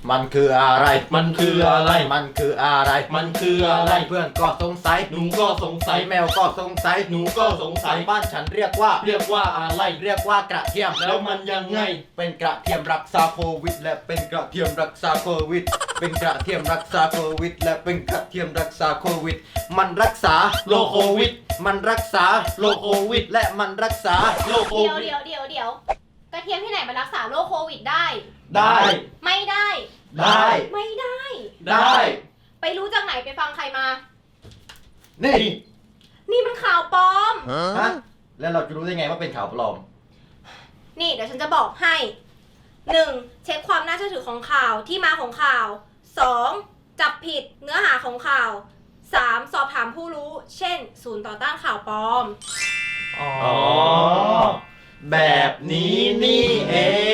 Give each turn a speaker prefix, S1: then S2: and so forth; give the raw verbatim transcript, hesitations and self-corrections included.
S1: มันคืออะไร
S2: มันคืออะไร
S1: มันคืออะไร
S2: มันคืออะไร
S1: เพื่อนก็สงสัย
S2: หนูก็สงสัย
S1: แมวก็สงสัย
S2: หนูก็สงสัย
S1: บ้านฉันเรียกว่า
S2: เรียกว่าอะไร
S1: เรียกว่ากระเทียม
S2: แล้วมันยังไง
S1: เป็นกระเทียมรักษาโควิด และเป็นกระเทียมรักษาโควิด เป็นกระเทียมรักษาโควิด และเป็นกระเทียมรักษาโควิด มันรักษา
S2: โรคโควิด
S1: มันรักษา
S2: โรคโควิด
S1: และมันรักษา
S2: โรคโค
S3: เดี๋ยว
S2: วิด
S3: เดี๋ยวเดี๋ยวเดี๋ยวกระเทียมที่ไหนมารักษาโรคโควิดได้
S2: ได้
S3: ไม่ได้
S1: ได้
S3: ไม่ได้
S2: ได้
S3: ไปรู้จากไหนไปฟังใครมา
S1: นี่
S3: นี่มันข่าวปลอม
S1: ฮะแล้วเราจะรู้ได้ไงว่าเป็นข่าวปลอม
S3: นี่เดี๋ยวฉันจะบอกให้ หนึ่ง เช็คความน่าเชื่อถือของข่าวที่มาของข่าว สอง จับผิดเนื้อหาของข่าว สาม สอบถามผู้รู้ เช่น ศูนย์ต่อต้านข่าวปลอม
S2: อ๋อ แบบนี้นี่เอง